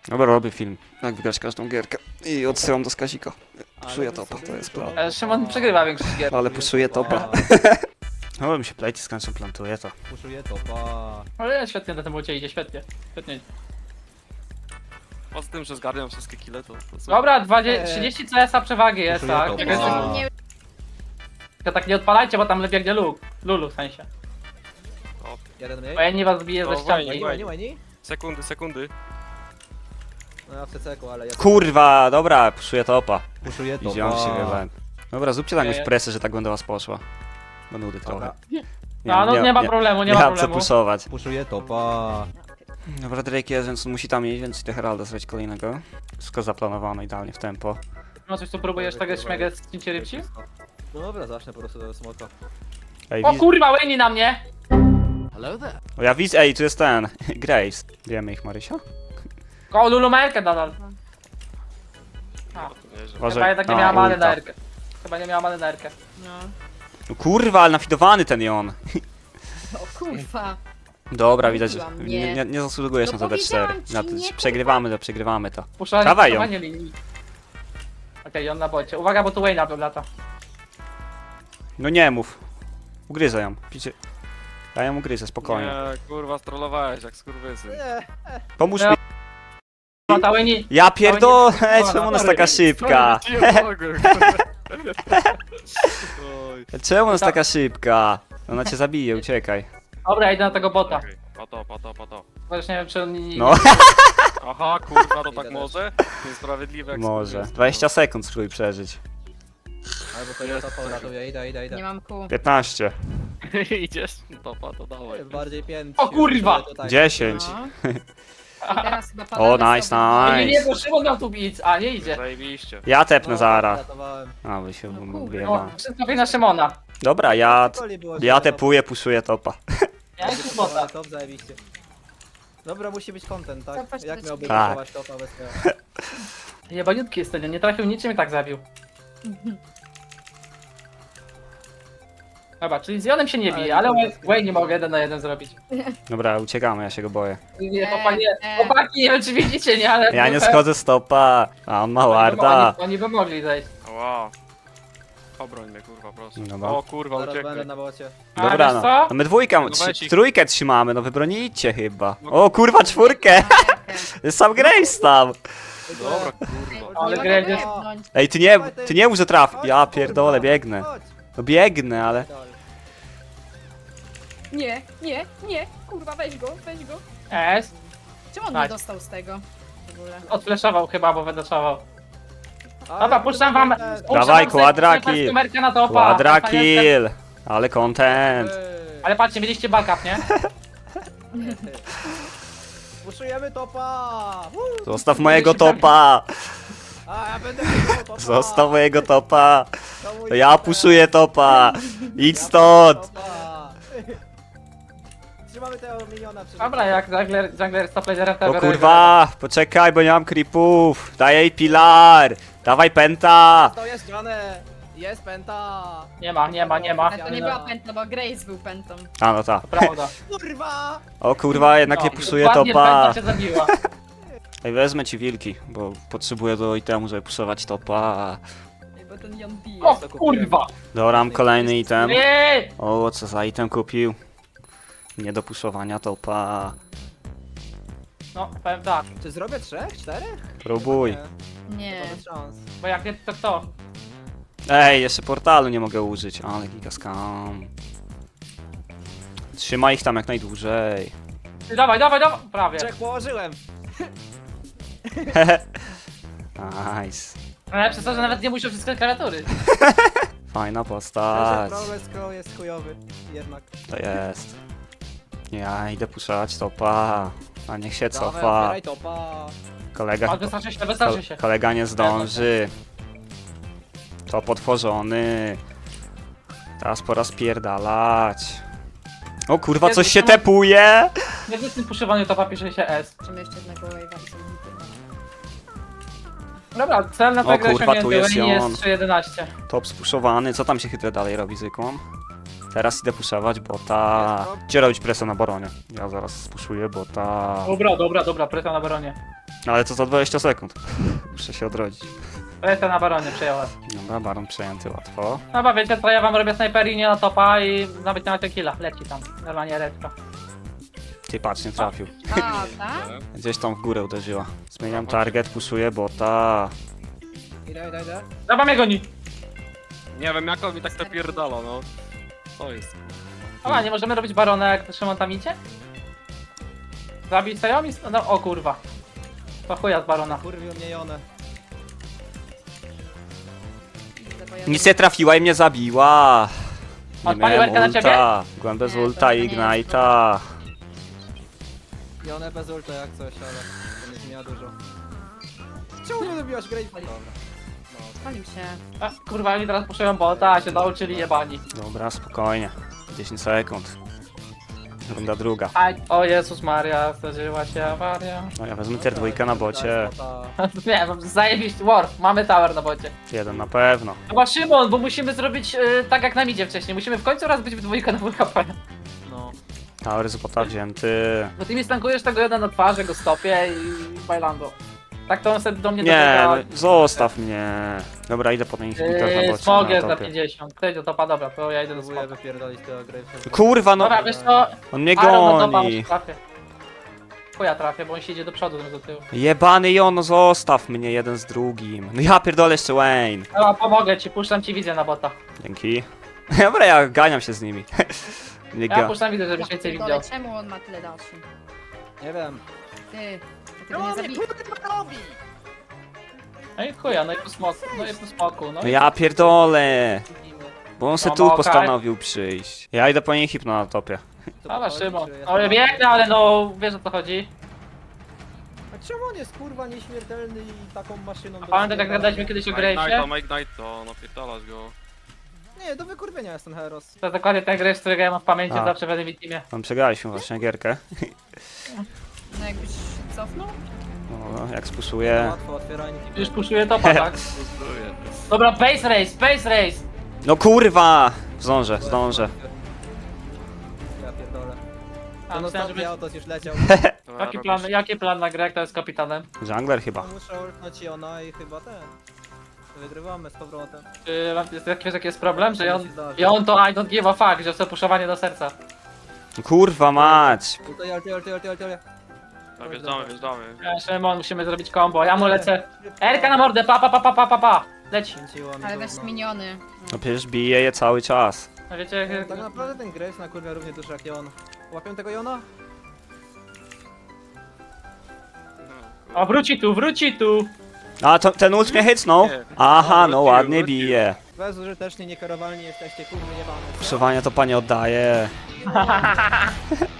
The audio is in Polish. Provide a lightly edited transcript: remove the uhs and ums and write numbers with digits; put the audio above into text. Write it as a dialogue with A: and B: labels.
A: Dobra, robię film, jak wygrać każdą gierkę i odsyłam do Skazika. Puszuję topa, to jest plan.
B: Szymon przegrywa większość gier.
A: Ale puszuję topa. No, mi się plejty z końcem plantuje to.
C: Puszuję topa.
B: Ale świetnie na tym bocie idzie, świetnie. Świetnie.
D: Poza tym, że zgarniam wszystkie kile, to
B: Dobra, 30 CS-a przewagi jest,
C: Puszuję
B: tak?
C: topa.
B: Tylko
E: Nie,
B: tylko tak nie odpalajcie, bo tam biegnie Lulu w sensie.
C: Jeden mniej.
B: Bo ja nie was biję ze
D: No,
B: ścianki.
D: fajnie.
C: Łajni, łajni?
D: Sekundy.
C: No ja w CC-ku, ale ja...
A: Kurwa, dobra, puszuję topa.
C: Puszuję topa.
A: Widziałem się chyba. Dobra, zróbcie tam jakąś
B: Nie.
A: presję, że tak będę was poszła. Bo nudy trochę.
C: Dobra.
B: No, nie ma problemu, nie ma
A: mam co
B: problemu.
A: puszować.
C: Puszuję topa.
A: Dobra, Drake jest, więc on musi tam iść, więc idę Heralda zrobić kolejnego. Wszystko zaplanowane idealnie w tempo.
B: No coś tu próbujesz tak śmiegę z cięcie rybci?
C: No dobra, zacznę po prostu do smoka.
A: Ej,
B: O kurwa, Wayne na mnie!
A: O, ja widzę, ej, tu jest ten, Grace. Wiemy ich, Marysia?
B: O, Lulu ma Erkę nadal. A,
A: Uważaj.
B: chyba jednak nie
A: A,
B: miała many
A: ulta.
B: na Erkę. Chyba nie miała many na Erkę.
A: No kurwa, ale nafidowany ten jon.
E: o kurwa.
A: Dobra, widać, że
E: Mówiłam,
A: nie zasługujesz
E: No
A: na to D4.
E: powiedziałam ci,
A: Na to,
E: nie,
A: przegrywamy to.
B: Puszczanie
A: ją.
B: linii. Okej, on na bocie. Uwaga, bo tu Wayne'a lata.
A: No nie mów. Ugryzę ją. Picie. Ja ją ugryzę, spokojnie.
D: Nie, kurwa, strollowałeś jak skurwysyn.
C: Nie,
A: Pomóż
B: No.
A: mi.
B: No ta Wayne...
A: Ja pierdolę,
B: Oj, nie-
A: czemu ona jest taka szybka?
D: Oj.
A: Czemu ona jest taka szybka? Ona cię zabije, uciekaj.
B: Dobra, ja idę na tego bota.
D: Okej, po to.
B: Chociaż nie wiem, czy on nie...
A: No,
D: Aha, kurwa, to tak
C: Idę
D: może? Niesprawiedliwe jak
A: może.
D: skurwysyn.
A: 20 sekund spróbuj przeżyć.
C: albo to ja topa uratuję, idę.
E: Nie mam kół.
A: 15.
D: Idziesz? Topa, to dawaj.
C: Bardziej pięć.
B: O kurwa!
A: 10.
E: No. I teraz chyba
A: O,
E: padamy
A: nice,
E: sobie.
B: Nie, bo Szymon miał tu bić, a nie idzie.
D: Zajebiście.
A: Ja tepnę zaraz.
C: Ratowałem.
A: A, wy się
E: No kurwa.
A: wyjebałem.
B: O, wszystko na Szymona.
A: Dobra, ja tepuję, puszuję topa.
B: Ja jestem bota.
C: Top zajebiście. Dobra, musi być content, tak?
E: Zobacz,
C: Jak
E: to
C: miałby
A: tak.
C: budować topa bez tego?
B: Jebaniutki jest ten, nie trafił niczym i tak zabił. Dobra, czyli z Jonem się nie bije, ale Wayne nie mogę 1 na 1 zrobić.
A: Dobra, uciekamy, ja się go boję.
B: Nie, chłopaki, nie wiem czy widzicie, nie, ale...
A: Ja nie schodzę z topa, a on ma warda.
B: Oni by mogli zejść.
D: Wow. Obroń mnie, kurwa, proszę.
A: Dobra.
D: O kurwa,
C: Zaraz będę
D: uciekły.
C: na bocie.
B: A
A: Dobra,
B: wiesz
A: no.
B: co?
A: No my dwójkę,
D: No weź ich.
A: trójkę trzymamy, no wybronicie chyba. O kurwa, czwórkę! Jest sam Grace tam.
D: Dobra, kurwa.
B: Ale
E: Nie
B: grę
E: mogę
B: jest-
E: jebnąć.
A: Ej, ty nie mów, że trafi. Ja pierdolę, biegnę.
C: Chodź.
A: No biegnę, ale...
E: Nie, kurwa, weź go.
B: Jest.
E: Czemu on
B: Tak.
E: nie dostał z tego? W ogóle.
B: Odfleszował chyba, bo wydoszował.
C: Ale
B: Dobra, puszczam wam...
C: content.
B: puszczam
A: Dawaj,
B: wam
A: quadra-kill.
B: numerkę na topa.
A: Quadra kill! Ale content.
C: Ej,
B: Ale patrzcie, mieliście backup, nie?
C: Puszujemy topa! Woo!
A: Zostaw mojego topa!
C: A, ja będę puszczał topa!
A: Zostaw mojego topa!
C: To mój
A: To ja
C: topa.
A: puszuję topa! Idź stąd!
C: Topa. Trzymamy tego miniona przy
B: Dobra, jak jungler stop laserem, to
A: O
B: biorę
A: kurwa! Poczekaj, bo nie mam creepów! Daj jej pilar! Dawaj penta!
C: To jest grane! Jest penta!
B: Nie ma.
E: Ale to nie była pętla, bo Grace był pentą.
A: A no ta.
B: To prawda.
C: Kurwa!
A: O kurwa, jednak nie
B: No,
A: puszuję
B: dokładnie
A: topa!
B: pęta cię zabiła.
A: Ej, wezmę ci wilki, bo potrzebuję do itemu, żeby puszować topa.
E: Bo ten Jon bije.
B: O kurwa!
A: Dobra, mam kolejny item.
B: Nie!
A: O, co za item kupił? Nie do puszowania topa.
B: No, powiem tak,
C: Czy zrobię 3? 4?
A: Próbuj.
E: Nie.
C: Bez szans.
B: bo jak nie, to kto?
A: Ej, jeszcze portalu nie mogę użyć, ale giga scam. Trzymaj ich tam jak najdłużej.
B: Ty, dawaj, prawie.
C: 3 położyłem!
A: Nice.
B: Najlepsze to, że nawet nie muszę wszystkie klawiatury.
A: Fajna
C: Ten
A: postać.
C: problem scroll jest chujowy. Jednak.
A: To jest. Ja idę puszczać topa. A niech się
C: Dawaj,
A: cofa.
C: otwieraj topa!
A: Kolega,
B: Ale wystarczy się.
A: kolega nie zdąży. Top otworzony. Teraz pora spierdalać. O kurwa, coś się tepuje!
B: Nie w tym puszywaniu topa pisze się S.
E: Czym jeszcze jednego wave'a i sobie
B: Dobra, cel na
A: O
B: tę grę
A: kurwa, tu
B: osiągnięty,
A: jest
B: Wayne
A: on.
B: jest 3.11.
A: Top spuszowany. Co tam się chytrze dalej robi zwykłą? Teraz idę puszować bota.
C: Jest top.
A: Gdzie robić presję na baronie? Ja zaraz spuszuję bota.
B: Dobra, presja na baronie.
A: Ale to za 20 sekund. Muszę się odrodzić.
B: To jestem na baronie, przejąłem.
A: Dobra, baron przejęty łatwo.
B: No bo wiecie co, ja wam robię snajperinie na topa i nawet nie ma ten killa. Leci tam, normalnie redka.
A: Ty patrz, nie trafił.
E: A, tak?
A: Gdzieś tam w górę uderzyła. Zmieniam target, puszuję bota.
C: Idę.
B: Dobra, mnie goni.
D: Nie wiem jak on mi tak napierdala, no. To jest.
B: Dobra, nie możemy robić barona jak Szymon tam idzie? Zabić Sayomi? No o kurwa. To chuja z barona.
C: Kurwił mnie Jonę.
A: Nic nie trafiła i mnie zabiła. Nie
B: Odpalił
A: miałem
B: Elkę na ciebie?
A: ulta. Byłem bez
E: Nie,
A: ulta
E: to
A: i
E: nie jest
A: ignite'a.
C: Jonę bez ulta jak coś, ale to nie zmienia dużo. Czemu nie lubiłaś Graves? Dobra.
E: Spalił się.
B: A, kurwa, oni teraz puszują bota, a się nauczyli jebani.
A: Dobra, spokojnie. 10 sekund. Runda druga.
B: Aj, o Jezus Maria, zdarzyła się awaria.
A: No ja wezmę tier 2 na bocie.
B: Nie, zajebiście, Warf, mamy tower na bocie.
A: Jeden na pewno.
B: Chyba Szymon, bo musimy zrobić tak jak nam idzie wcześniej. Musimy w końcu raz być w dwójkę na WKP.
C: No.
A: Tower z bota wzięty.
B: Bo ty mi stankujesz tego jeden na twarzy, go stopię i bailando. Tak to on sobie do mnie
A: Nie,
B: dobiega.
A: no, zostaw mnie. Dobra, idę po ten inhibitor na bocie.
B: Smog
A: na
B: jest za
A: topie.
B: 50. Ktoś do topa, dobra, to ja idę do
C: Próbuję
B: smoga.
C: wypierdolić tego Gravesa.
A: Kurwa, no.
B: Dobra, wiesz co?
A: On mnie
B: Aaron do topa,
A: goni.
B: może trafię. Chuja trafię, bo on się idzie do przodu, do tyłu.
A: Jebany Jono, zostaw mnie jeden z drugim. No ja pierdolę jeszcze Wayne.
B: Dobra, pomogę ci, puszczam ci wizję na bota.
A: Dzięki. Dobra, ja ganiam się z nimi. Nie
B: Ja
A: ga...
B: puszczam widzę, żebyś więcej widział.
E: Pierdolę, czemu on ma tyle daszy?
C: Nie wiem.
E: Ty, to go nie zabij.
B: No i chuja, no i po smoku, no i po smoku, no
A: No
B: i...
A: ja pierdolę. Bo on se
B: No,
A: tu
B: okej.
A: postanowił przyjść. Ja idę po niej hipno na topie.
B: Dobra, Szymon.
C: Czy
B: No ja
C: jestem-
B: biegnę, ale no, wiesz o co chodzi.
C: A czemu on jest kurwa nieśmiertelny i taką maszyną do...
B: Pamiętaj jak gadaliśmy kiedyś o Gravesie?
D: Ignite to, napierdalasz go.
C: Nie, do wykurwienia jest ten Heros.
B: To jest dokładnie ten Graves, którego ja mam w pamięci
A: A.
B: zawsze w Enemy Teamie.
A: Tam przegraliśmy właśnie gierkę.
E: No jakbyś cofnął?
A: No, jak spuszuję.
C: Łatwo, otwieranie.
B: Już puszuję topa, tak? Dobra, base race!
A: No kurwa! Zdążę.
C: Ja pierdolę.
B: A,
C: Ten
B: myślałem,
C: ostatni
B: żeby...
C: autos już leciał.
B: Jaki plan na grę, jak to jest kapitanem?
A: Jungler chyba.
C: Muszę ultnąć Jona i chyba ten. Wygrywamy z powrotem.
B: Czy jaki jest problem, że
C: To
B: on...
C: się zdarzy.
B: I on to I don't give a fuck, że chce puszowanie do serca.
A: No kurwa mać!
C: Ultuję.
D: Wjeżdżamy.
B: Szymon, musimy zrobić combo, ja mu lecę. Erka na mordę, pa. Leci.
C: Kręciło mi
E: Ale
C: gówno.
E: weź miniony.
A: No przecież bije je cały czas.
B: No wiecie,
C: Tak naprawdę ten Graves na kurwa równie duży jak Jon. Łapią tego Jona?
B: o wróci tu.
A: A to, ten ult mnie hycnął?
D: Nie.
A: Aha, no
D: Wrócił,
A: ładnie
D: wrócił.
A: bije.
C: Bezużytecznie, niekarowalni jesteście, kurwa jebane.
A: Puszowanie to panie oddaje.